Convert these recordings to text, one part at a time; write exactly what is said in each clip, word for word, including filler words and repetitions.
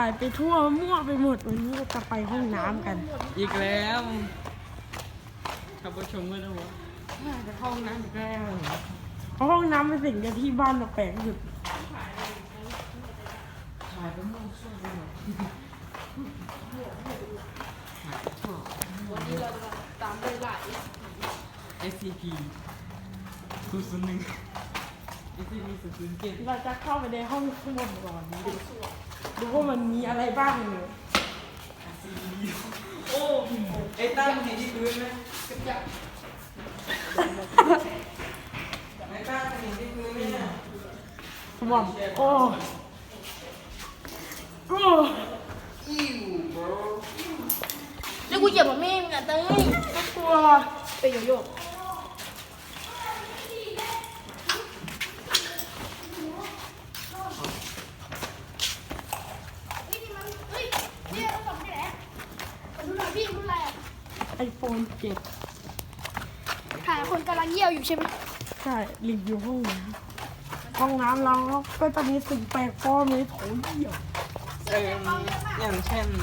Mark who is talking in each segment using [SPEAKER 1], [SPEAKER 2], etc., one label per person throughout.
[SPEAKER 1] ถ่ายไปทั่วมั่วไปหมดวันนี้เราจะไปห้องน้ำกัน
[SPEAKER 2] อีกแล้วท่านผู้ชมก็ต้องว่าจะเข้าห้องน้ำอีกแล้ว
[SPEAKER 1] เพราะห้องน้ำเป็นสิ่งเดียวที่บ้านเราแปลกที่สุด
[SPEAKER 2] ถ่ายไปมั่วซั่วไปหมด
[SPEAKER 3] วันนี้เราจะตามด้วยหลาย
[SPEAKER 2] เอส ซี พี ศูนย์ ศูนย์ หนึ่ง เอส ซี พี ศูนย์ ศูนย์ เจ็ด
[SPEAKER 1] เราจะเข้าไปในห้องข้างบนก่อนดูดูว่ามันมีอะไรบ้างเลย
[SPEAKER 2] โอ้ไอ้ตั้งเห็นที่พื้นไหมกับจับไอ้ตั้งเห็นที่พื้นไหมเนี่ย
[SPEAKER 1] สมองโอ้โอ้
[SPEAKER 2] อิวบร
[SPEAKER 3] แล้วกูเหยียบแบบแม่มึงอ่ะเต้ย
[SPEAKER 1] ก็กลัว
[SPEAKER 3] ไปโยโย่
[SPEAKER 1] ไอโฟนเจ็ด
[SPEAKER 3] ถ่ายคนกำลังเยี่ยวอยู่ใช่ไหม
[SPEAKER 1] ใช่ลิงอยู่ห้องน้ำห้องน้ำเราก็จะมีสิ่งแปลกปลอมในโถเยี่ยว
[SPEAKER 2] เอออย่างเช่น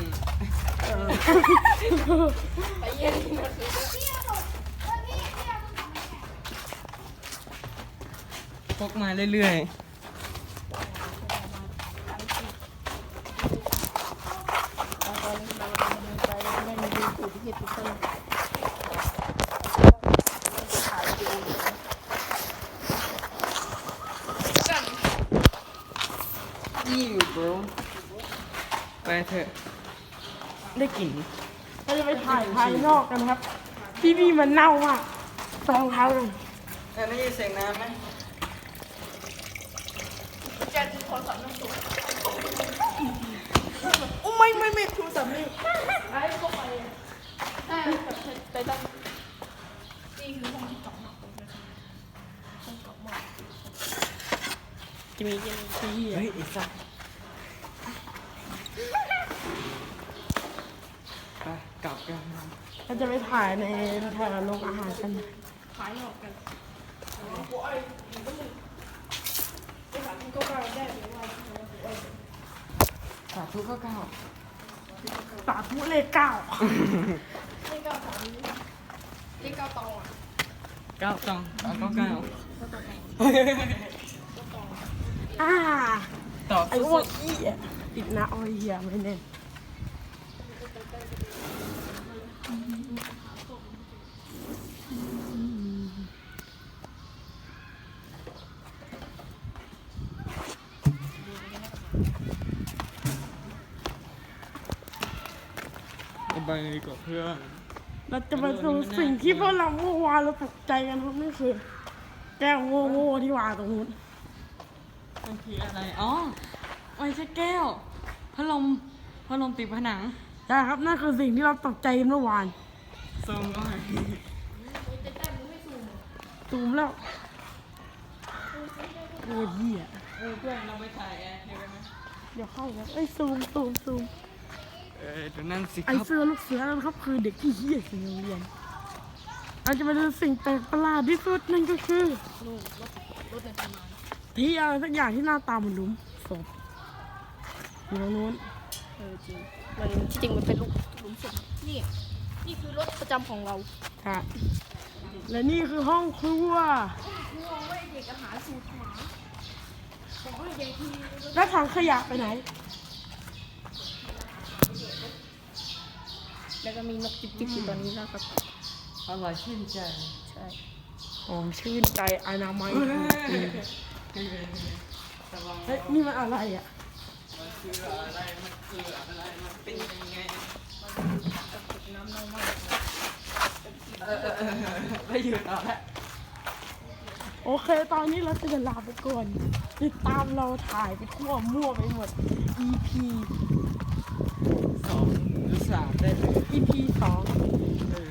[SPEAKER 3] ไปเยี่ยมที่มัน
[SPEAKER 2] พกมาเรื่อยๆอิวบรไปเถอะได้กลิ่น
[SPEAKER 1] เราจะไปถ่ายภายนอกกันครับที่นี่มันเน่ามากรองเท้าเลย
[SPEAKER 2] แต่ได้ยินเสียงน้ำไหม
[SPEAKER 3] จะดูโทรศัพท์น้ำตก
[SPEAKER 1] โอ้ไม่ไม่ไม่โทรศัพท์นี่
[SPEAKER 3] ไอ้ก็ไปอ่าไปตั้งนี่คือห้องที่เก่ามากห้องเก่ามาก
[SPEAKER 1] จะมีจะมีที่
[SPEAKER 2] เฮ้ยไอ้สัสไปกลับกัน
[SPEAKER 1] เราจะไปถ่ายในแถวโรงอาหารกัน
[SPEAKER 3] ขายออกกัน
[SPEAKER 2] สาธุก็เก้า
[SPEAKER 1] สาธุเลขเก้า
[SPEAKER 3] เลขเก้าสามเลขเก้าตองอ่ะ
[SPEAKER 2] เก้าตองเก้าเก้า
[SPEAKER 1] อ่า
[SPEAKER 2] ต่อ
[SPEAKER 1] ไอ้พวกอี้อ่ะติดนะอ้อยเหี้ยไม่แน่
[SPEAKER 2] ไปดีกว่าเพื่อน
[SPEAKER 1] เราจะมาดูสิ่งที่พวกเราเมื่อวานเราตกใจกันครับนี่คือแก้วโง่ๆที่วางตรงนู้น
[SPEAKER 2] มันคืออะไรอ๋อไม่ใช่แก้วพัดลมพัดลมติดผนัง
[SPEAKER 1] ใช่ครับนั่นคือสิ่งที่เราตกใจเมื่อวาน
[SPEAKER 2] ซูมก็ไง
[SPEAKER 1] ซูมแล้วโอ้ยเหี้ย
[SPEAKER 2] เออเพื่อนเราไปถ่ายแอร์เห็นไหม
[SPEAKER 1] เดี๋ยวเข้าแล้วเอ้ยซูมซูมซูม
[SPEAKER 2] เออเดี๋ยวนั่นสิครับ
[SPEAKER 1] ไอเสื้อลูกเสือนั่นครับคือเด็กที่เหี้ยสิ่งโรงเรียนเราจะมาดูสิ่งแปลกประหลาดที่สุดนั่นก็คือที่อะไรสักอย่างที่หน้าตาเหมือนหลุมศพอยู่ตรงนู้น
[SPEAKER 3] เออจริงมันที่จริงมันเป็นลูกหลุมศพนี่นี่คือรถประจำของเรา
[SPEAKER 1] ค่ะและนี่คือห้องครัว
[SPEAKER 3] ครัวไว้เด็กอาหารสูตรหมาของเด็กที่
[SPEAKER 1] แล้วถังขยะไปไหน
[SPEAKER 3] แล้วก็มีนกจิ๊บๆอยู่ตอนนี้นะครับ
[SPEAKER 2] อร่อยชื่นใจ
[SPEAKER 3] ใช่
[SPEAKER 1] หอมชื่นใจอนามัยเฮ้ยนี่มันอะไรอ่ะ
[SPEAKER 2] มันคืออะไรมันคืออะไรมันเป็นยังไง
[SPEAKER 3] น้ำเน่ามาก
[SPEAKER 2] เออเออเออไม่หยุดเอาละ
[SPEAKER 1] โอเคตอนนี้เราจะลาไปก่อนติดตามเราถ่ายไปทั่วมั่วไปหมด อี พี
[SPEAKER 2] สองหรือสามได้เลย
[SPEAKER 1] อี พี สอง
[SPEAKER 2] เออ